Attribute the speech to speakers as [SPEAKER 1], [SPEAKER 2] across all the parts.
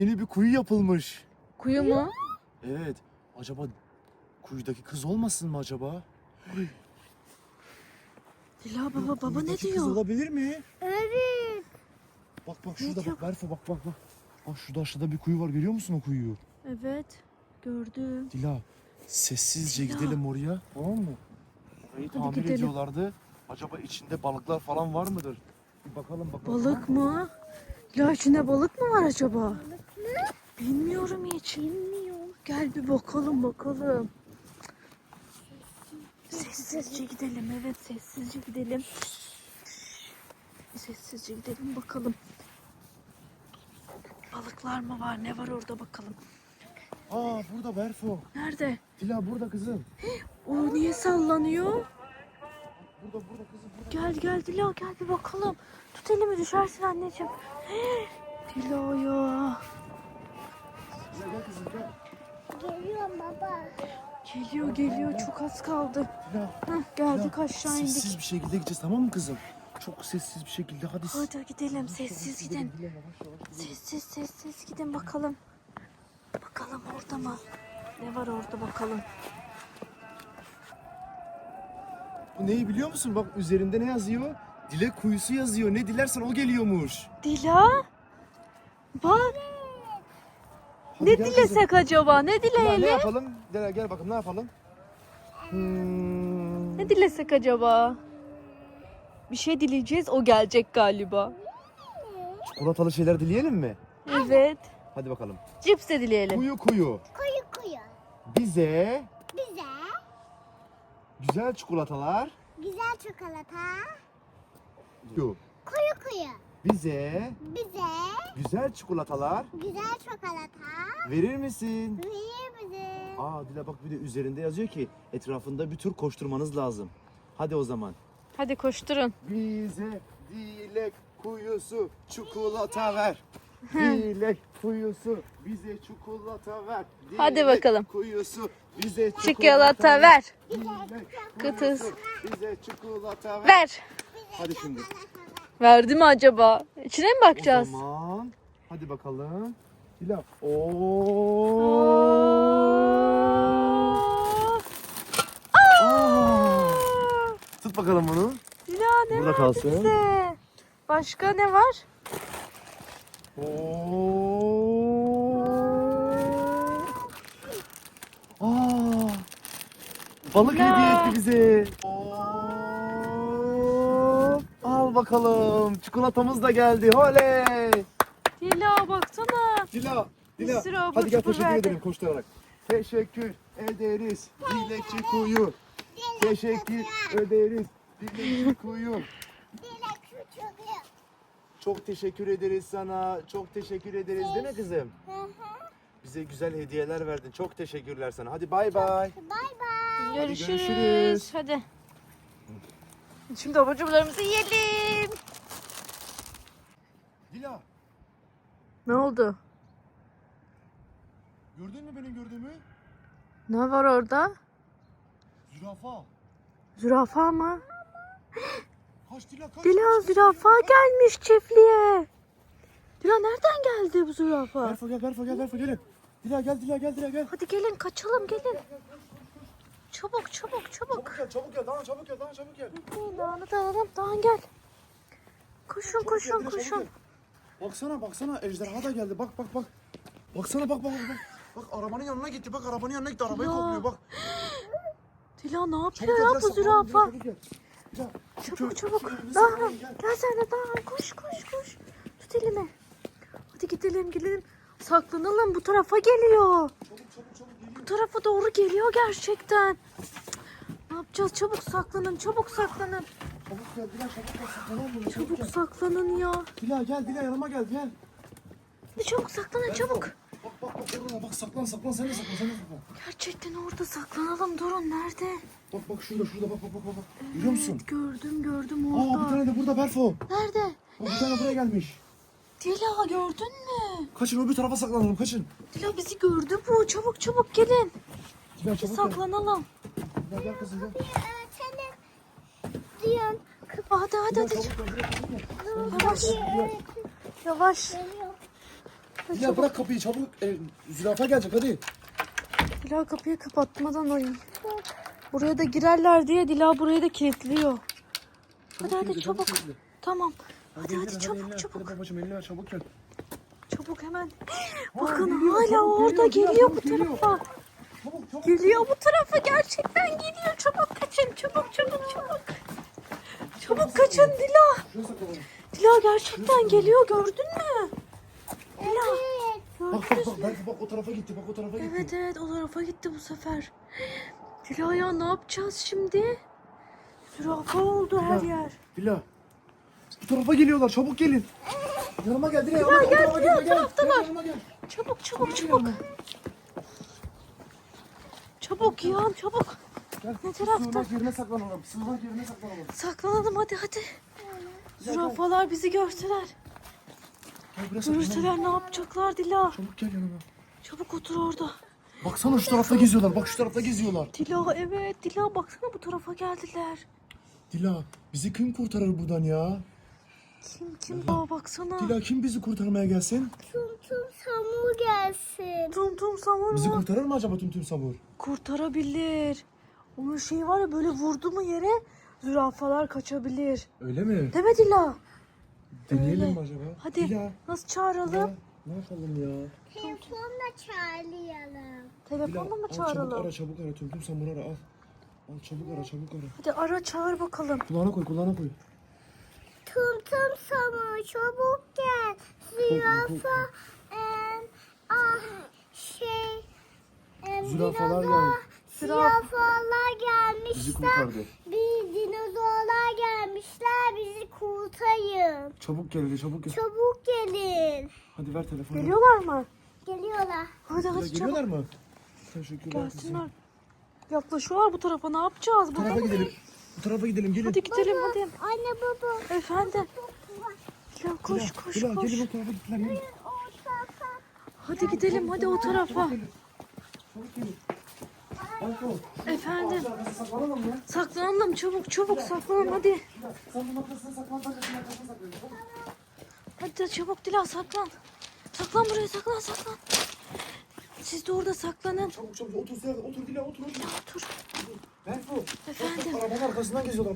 [SPEAKER 1] Yeni bir kuyu yapılmış.
[SPEAKER 2] Kuyu mu?
[SPEAKER 1] Evet. Acaba kuyudaki kız olmasın mı acaba?
[SPEAKER 2] Dila baba ne
[SPEAKER 1] Kuyudaki kız
[SPEAKER 2] diyor?
[SPEAKER 1] olabilir mi?
[SPEAKER 3] Evet.
[SPEAKER 1] Bak
[SPEAKER 2] Ne
[SPEAKER 1] şurada
[SPEAKER 2] diyor?
[SPEAKER 1] bak Berfu bak. Bak şurada aşağıda bir kuyu var, görüyor musun o kuyuyu?
[SPEAKER 2] Evet gördüm.
[SPEAKER 1] Dila sessizce
[SPEAKER 2] Dila.
[SPEAKER 1] gidelim oraya, tamam mı? Orayı tamir
[SPEAKER 2] gidelim.
[SPEAKER 1] ediyorlardı. Acaba içinde balıklar falan var mıdır? Bir bakalım.
[SPEAKER 2] Balık mı? Dila içinde balık mı var acaba? Bilmiyorum hiç. Gel bir bakalım. Sessizce gidelim. Evet sessizce gidelim. Sessizce gidelim bakalım. Balıklar mı var? Ne var orada bakalım.
[SPEAKER 1] Aa burada Berfu.
[SPEAKER 2] Nerede?
[SPEAKER 1] Dila burada kızım.
[SPEAKER 2] O niye sallanıyor?
[SPEAKER 1] Burada kızım.
[SPEAKER 2] Gel Dila gel bir bakalım. Tut elimi düşersin anneciğim. Dila ya.
[SPEAKER 1] Dila gel kızım gel.
[SPEAKER 3] Geliyorum baba.
[SPEAKER 2] Geliyor çok az kaldı.
[SPEAKER 1] Dila.
[SPEAKER 2] Geldik
[SPEAKER 1] Dila,
[SPEAKER 2] aşağı indik.
[SPEAKER 1] Sessiz bir şekilde gideceğiz, tamam mı kızım? Çok sessiz bir şekilde hadi.
[SPEAKER 2] Hadi gidelim sessiz gidin.
[SPEAKER 1] Dila, yavaş.
[SPEAKER 2] Sessiz gidin bakalım. Bakalım orada mı? Ne var orada bakalım.
[SPEAKER 1] Bu neyi biliyor musun? Bak üzerinde ne yazıyor? Dilek kuyusu yazıyor. Ne dilersen o geliyormuş.
[SPEAKER 2] Dila? Bak
[SPEAKER 1] Hadi
[SPEAKER 2] ne
[SPEAKER 1] gel kızım.
[SPEAKER 2] dilesek acaba? Ne
[SPEAKER 1] Dila, ne
[SPEAKER 2] dileyelim?
[SPEAKER 1] yapalım? Dila gel bakalım, ne yapalım?
[SPEAKER 2] Ne dilesek acaba? Bir şey dileyeceğiz o gelecek galiba.
[SPEAKER 1] Çikolatalı şeyler dileyelim mi?
[SPEAKER 2] Evet.
[SPEAKER 1] Hadi bakalım.
[SPEAKER 2] Cips de dileyelim.
[SPEAKER 1] Kuyu.
[SPEAKER 3] Kuyu.
[SPEAKER 1] Bize
[SPEAKER 3] Bize
[SPEAKER 1] güzel çikolatalar.
[SPEAKER 3] güzel çikolata.
[SPEAKER 1] Kuyu.
[SPEAKER 3] Kuyu.
[SPEAKER 1] Bize
[SPEAKER 3] Bize
[SPEAKER 1] güzel çikolatalar
[SPEAKER 3] güzel çikolata.
[SPEAKER 1] verir misin?
[SPEAKER 3] Verir bize.
[SPEAKER 1] Aa Dila bak, bir de üzerinde yazıyor ki etrafında bir tur koşturmanız lazım. Hadi o zaman.
[SPEAKER 2] Hadi koşturun.
[SPEAKER 1] Bize dilek kuyusu çikolata ver. Dilek kuyusu bize çikolata ver. Dilek
[SPEAKER 2] Hadi bakalım.
[SPEAKER 1] Kuyusu bize
[SPEAKER 2] Çikolata ver.
[SPEAKER 1] Dilek
[SPEAKER 2] Kıtız.
[SPEAKER 1] kuyusu bize çikolata ver.
[SPEAKER 2] Ver.
[SPEAKER 1] Hadi şimdi.
[SPEAKER 2] Verdi mi acaba? İçine mi bakacağız?
[SPEAKER 1] O zaman hadi bakalım. Dila. Oo. Aa. Tut bakalım bunu.
[SPEAKER 2] Dila ne
[SPEAKER 1] Burada
[SPEAKER 2] verdi
[SPEAKER 1] kalsın.
[SPEAKER 2] bize? Başka ne var?
[SPEAKER 1] Oo. Aa. Balık
[SPEAKER 2] Ya.
[SPEAKER 1] hediye etti bize. Oo. Al bakalım. Çikolatamız da geldi. Oley.
[SPEAKER 2] Dila baksana.
[SPEAKER 1] Dila.
[SPEAKER 2] Bir sürü abur
[SPEAKER 1] Hadi gel
[SPEAKER 2] cubur
[SPEAKER 1] teşekkür
[SPEAKER 2] verdi.
[SPEAKER 1] ederim koşturarak. Teşekkür ederiz. Dilekçi kuyu. Teşekkür ederiz. Dilekçi kuyu.
[SPEAKER 3] Dilek küçülüyor.
[SPEAKER 1] Çok teşekkür ederiz sana. Çok teşekkür ederiz değil mi kızım? Bize güzel hediyeler verdin. Çok teşekkürler sana. Hadi bay bay.
[SPEAKER 3] Bay bay.
[SPEAKER 2] Görüşürüz.
[SPEAKER 1] görüşürüz.
[SPEAKER 2] Hadi. Şimdi abur cuburlarımızı yiyelim.
[SPEAKER 1] Dila,
[SPEAKER 2] Ne oldu?
[SPEAKER 1] gördün mü benim gördüğümü?
[SPEAKER 2] Ne var orada?
[SPEAKER 1] Zürafa.
[SPEAKER 2] Zürafa mı?
[SPEAKER 1] Kaç Dila kaç.
[SPEAKER 2] Dila zürafa gelmiş çiftliğe. Dila nereden geldi bu zürafa?
[SPEAKER 1] Berfa gel gelin. Dila gel.
[SPEAKER 2] Hadi gelin kaçalım gelin. Çabuk.
[SPEAKER 1] Çabuk gel. Daha çabuk gel.
[SPEAKER 2] Dağını da alalım. Dağın gel. Koşun.
[SPEAKER 1] Çabuk gel. Baksana ejderha da geldi. Bak. Baksana bak. Bak arabanın yanına gitti. Arabayı
[SPEAKER 2] Ya.
[SPEAKER 1] kokluyor bak.
[SPEAKER 2] Dila ne
[SPEAKER 1] Çabuk
[SPEAKER 2] yapıyor
[SPEAKER 1] gel,
[SPEAKER 2] ya
[SPEAKER 1] biraz
[SPEAKER 2] bu
[SPEAKER 1] saklanalım,
[SPEAKER 2] zürafa?
[SPEAKER 1] çabuk gel. Dila, şu
[SPEAKER 2] Çabuk.
[SPEAKER 1] köyümüzü
[SPEAKER 2] Daha
[SPEAKER 1] saklayalım, gel.
[SPEAKER 2] gel sen de daha koş. Tut elimi. Hadi gidelim. Saklanalım bu tarafa geliyor.
[SPEAKER 1] Çabuk
[SPEAKER 2] Bu tarafa doğru geliyor gerçekten. Ne yapacağız? Çabuk saklanın.
[SPEAKER 1] Çabuk gel Dila, çabuk gel, saklanalım bunu, çabuk
[SPEAKER 2] Çabuk
[SPEAKER 1] gel.
[SPEAKER 2] saklanın ya.
[SPEAKER 1] Dila yanıma gel.
[SPEAKER 2] Hadi çabuk saklanın çabuk.
[SPEAKER 1] Bak orada bak, saklan sen de saklan.
[SPEAKER 2] Gerçekten orada saklanalım. Durun nerede?
[SPEAKER 1] Bak şurada bak. Görüyor musun?
[SPEAKER 2] Gördüm
[SPEAKER 1] Aa bir
[SPEAKER 2] orada.
[SPEAKER 1] tane de burada Berfo.
[SPEAKER 2] Nerede?
[SPEAKER 1] Bak bir tane buraya gelmiş.
[SPEAKER 2] Dila gördün mü?
[SPEAKER 1] Kaçın, öbür tarafa saklanalım, kaçın.
[SPEAKER 2] Dila bizi gördü bu. Çabuk gelin.
[SPEAKER 1] Dila
[SPEAKER 2] Bir
[SPEAKER 1] çabuk gel.
[SPEAKER 2] saklanalım.
[SPEAKER 1] Dila gel kızım gel.
[SPEAKER 3] Seni diyorum.
[SPEAKER 2] Hadi.
[SPEAKER 1] Dila çabuk gel.
[SPEAKER 2] Yavaş.
[SPEAKER 3] Geliyor.
[SPEAKER 1] Dila bırak kapıyı çabuk. Zürafa gelecek hadi.
[SPEAKER 2] Dila kapıyı kapatmadan ayın. Buraya da girerler diye Dila burayı da kilitliyor. Hadi çabuk. Tamam. Hadi çabuk.
[SPEAKER 1] Babacığım elini ver çabuk gel.
[SPEAKER 2] Çabuk hemen. Bakın hala orada geliyor bu tarafa.
[SPEAKER 1] Çabuk.
[SPEAKER 2] Geliyor bu tarafa, gerçekten geliyor. Çabuk kaçın, çabuk. Çabuk kaçın Dila.
[SPEAKER 1] Şuraya saklanalım.
[SPEAKER 2] Dila gerçekten geliyor, gördün mü? Dila.
[SPEAKER 1] Bak belki bak o tarafa gitti
[SPEAKER 2] Evet o tarafa gitti bu sefer. Dila ya ne yapacağız şimdi? Zürafa oldu her yer.
[SPEAKER 1] Dila. Bu tarafa geliyorlar çabuk gelin. Yanıma gel Dila.
[SPEAKER 2] Dila gel, o taraftalar.
[SPEAKER 1] Yanıma gel.
[SPEAKER 2] Çabuk.
[SPEAKER 1] Yanıma.
[SPEAKER 2] Çabuk ya çabuk.
[SPEAKER 1] Gel.
[SPEAKER 2] Ne tarafta?
[SPEAKER 1] Sığınak yerine saklanalım.
[SPEAKER 2] Saklanalım hadi. Zürafalar bizi görseler.
[SPEAKER 1] Gel buraya saklanalım.
[SPEAKER 2] Görseler ne yapacaklar Dila?
[SPEAKER 1] Çabuk gel yanıma.
[SPEAKER 2] Çabuk otur orada.
[SPEAKER 1] Baksana şu tarafta geziyorlar. Bak şu tarafta geziyorlar.
[SPEAKER 2] Dila evet Dila baksana bu tarafa geldiler.
[SPEAKER 1] Dila bizi kim kurtarır buradan ya?
[SPEAKER 2] Kim? Aa baksana.
[SPEAKER 1] Dila kim bizi kurtarmaya gelsin?
[SPEAKER 3] Tum samur gelsin.
[SPEAKER 2] Tum samur
[SPEAKER 1] Bizi
[SPEAKER 2] mu?
[SPEAKER 1] kurtarır mı acaba Tum Samur?
[SPEAKER 2] Kurtarabilir. Onun şeyi var ya, böyle vurdu mu yere zürafalar kaçabilir.
[SPEAKER 1] Öyle mi?
[SPEAKER 2] Değil mi Dila?
[SPEAKER 1] Deneyelim
[SPEAKER 2] Öyle.
[SPEAKER 1] mi acaba?
[SPEAKER 2] Hadi
[SPEAKER 1] Dila.
[SPEAKER 2] nasıl çağıralım?
[SPEAKER 1] Ne yapalım ya?
[SPEAKER 3] Telefonla çağırayalım.
[SPEAKER 2] Telefonla mı
[SPEAKER 1] al,
[SPEAKER 2] çağıralım?
[SPEAKER 1] Çabuk ara Tum Samur ara al. Al çabuk ara.
[SPEAKER 2] Hadi ara çağır bakalım.
[SPEAKER 1] Kulağına koy.
[SPEAKER 3] Tum samur çabuk gel. Zürafa
[SPEAKER 1] Zürafalar
[SPEAKER 3] dinozor-
[SPEAKER 1] geldi.
[SPEAKER 3] Zürafalar gelmişler.
[SPEAKER 1] Bizi kurtardı.
[SPEAKER 3] Bir dinozorlar gelmişler. Bizi kurtarın.
[SPEAKER 1] Çabuk gel.
[SPEAKER 3] Çabuk gelin.
[SPEAKER 1] Hadi ver telefonu.
[SPEAKER 2] Geliyorlar mı?
[SPEAKER 3] Geliyorlar.
[SPEAKER 2] Hadi
[SPEAKER 1] Dila,
[SPEAKER 2] çabuk.
[SPEAKER 1] geliyorlar mı? Teşekkürler kızım.
[SPEAKER 2] Gelsinler. Yaklaşıyorlar bu tarafa, ne yapacağız?
[SPEAKER 1] Bu tarafa gidelim. Gelin.
[SPEAKER 2] Hadi gidelim hadi.
[SPEAKER 3] Anne baba.
[SPEAKER 2] Efendim. Dila koş.
[SPEAKER 1] Dila gelin o tarafa gittiler. Gelin.
[SPEAKER 2] Hadi gidelim hadi o tarafa.
[SPEAKER 1] Çabuk gelin. Alko.
[SPEAKER 2] Efendim.
[SPEAKER 1] Saklanalım mı?
[SPEAKER 2] Saklanalım çabuk saklanalım hadi.
[SPEAKER 1] Sen bu noktasına saklan. Ben de şu noktasına saklanıyorum.
[SPEAKER 2] Hadi çabuk Dila saklan. Saklan buraya saklan. Siz de orada saklanın.
[SPEAKER 1] Çabuk. Otur Dila otur.
[SPEAKER 2] Otur.
[SPEAKER 1] Berfu.
[SPEAKER 2] Efendim.
[SPEAKER 1] Bak, arabanın arkasından geziyorlar.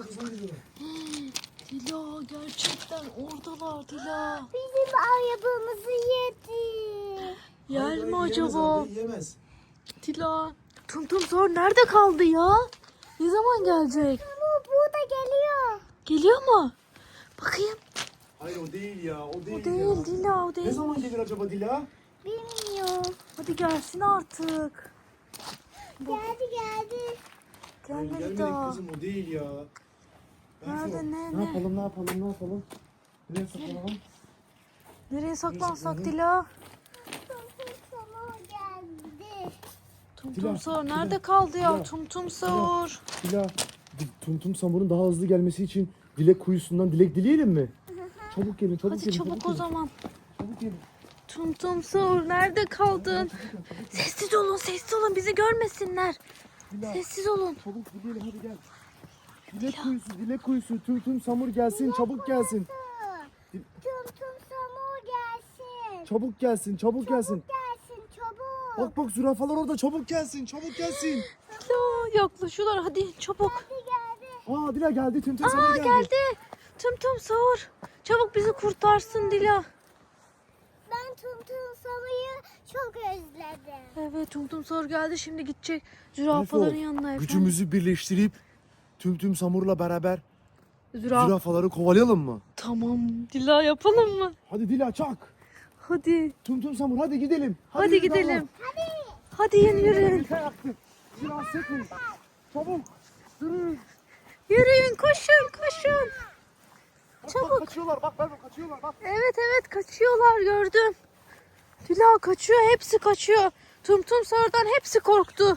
[SPEAKER 2] Dila gerçekten oradalar Dila.
[SPEAKER 3] Bizim arabamızı yedi.
[SPEAKER 2] Yer mi
[SPEAKER 1] Yiyemez
[SPEAKER 2] acaba?
[SPEAKER 1] arabayı, yiyemez.
[SPEAKER 2] Dila. Tum Sor nerede kaldı ya? Ne zaman gelecek?
[SPEAKER 3] Bu burada geliyor.
[SPEAKER 2] Geliyor mu? Bakayım.
[SPEAKER 1] Hayır o değil ya. O değil,
[SPEAKER 2] O değil Dila o
[SPEAKER 1] Ne
[SPEAKER 2] değil.
[SPEAKER 1] zaman gelir acaba Dila?
[SPEAKER 3] Bilmiyorum.
[SPEAKER 2] Hadi gelsin artık.
[SPEAKER 3] Geldi.
[SPEAKER 2] Gelmedi
[SPEAKER 1] Gelmedik
[SPEAKER 2] daha.
[SPEAKER 1] kızım o değil ya. Berfu,
[SPEAKER 2] Nerede, ne?
[SPEAKER 1] Ne yapalım? Nereye saklanalım?
[SPEAKER 2] Nereye saklansak
[SPEAKER 1] saklanalım?
[SPEAKER 2] Dila?
[SPEAKER 3] Samur geldi.
[SPEAKER 2] Tum Sor nerede kaldı ya?
[SPEAKER 1] Dila.
[SPEAKER 2] Tum Sor.
[SPEAKER 1] Dila, Tum Samur'un daha hızlı gelmesi için dilek kuyusundan dilek dileyelim mi? Çabuk gelin.
[SPEAKER 2] Hadi çabuk o zaman.
[SPEAKER 1] Çabuk gelin.
[SPEAKER 2] Tum Sor nerede kaldın? Sessiz olun bizi görmesinler.
[SPEAKER 1] Dila,
[SPEAKER 2] Sessiz olun.
[SPEAKER 1] çabuk gidelim hadi gel. Dilek kuyusu. Tum Samur gelsin, çabuk gelsin.
[SPEAKER 3] Tum samur gelsin.
[SPEAKER 1] Çabuk gelsin.
[SPEAKER 3] Gelsin çabuk.
[SPEAKER 1] Bak zürafalar orada, çabuk gelsin.
[SPEAKER 2] Dila yaklaşıyorlar hadi çabuk.
[SPEAKER 3] Geldi.
[SPEAKER 1] Aa Dila geldi, Tum Samur geldi.
[SPEAKER 2] Geldi. Tum Sor. Çabuk bizi kurtarsın Dila.
[SPEAKER 3] Ben tum samur'u çok özledim.
[SPEAKER 2] Evet Tum Sor geldi, şimdi gidecek zürafaların
[SPEAKER 1] Berfu,
[SPEAKER 2] yanına efendim.
[SPEAKER 1] Gücümüzü birleştirip Tum Samur'la beraber
[SPEAKER 2] Zürafa.
[SPEAKER 1] zürafaları kovalayalım mı?
[SPEAKER 2] Tamam Dila yapalım mı?
[SPEAKER 1] Hadi Dila çak.
[SPEAKER 2] Hadi.
[SPEAKER 1] Tum Samur hadi gidelim.
[SPEAKER 2] Hadi gidelim. Hadi yürüyün.
[SPEAKER 1] Biraz sekun. Çabuk. Yürü.
[SPEAKER 2] Yürüyün koşun. Çabuk.
[SPEAKER 1] Kaçıyorlar bak kaçıyorlar bak.
[SPEAKER 2] Evet kaçıyorlar gördüm. Dila kaçıyor, hepsi kaçıyor. Tum Sor'dan hepsi korktu.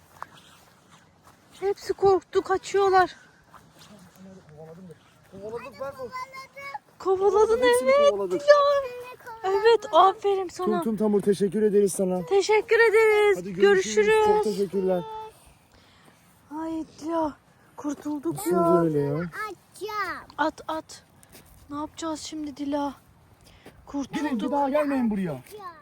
[SPEAKER 2] Hepsi korktu, kaçıyorlar.
[SPEAKER 1] Kovaladık Berfu.
[SPEAKER 2] Kovaladın
[SPEAKER 1] Hepsini
[SPEAKER 2] evet
[SPEAKER 1] kovaladık.
[SPEAKER 2] Dila. Evet aferin sana.
[SPEAKER 1] Tum Samur teşekkür ederiz sana.
[SPEAKER 2] Teşekkür ederiz.
[SPEAKER 1] Hadi
[SPEAKER 2] Görüşürüz.
[SPEAKER 1] Çok teşekkürler.
[SPEAKER 2] Ay Dila kurtulduk
[SPEAKER 1] Nasıl
[SPEAKER 2] ya.
[SPEAKER 1] öyle ya?
[SPEAKER 3] Açacağım.
[SPEAKER 2] At. Ne yapacağız şimdi Dila? Kurtulduk.
[SPEAKER 1] Gidin bir daha gelmeyin buraya.
[SPEAKER 3] Ya.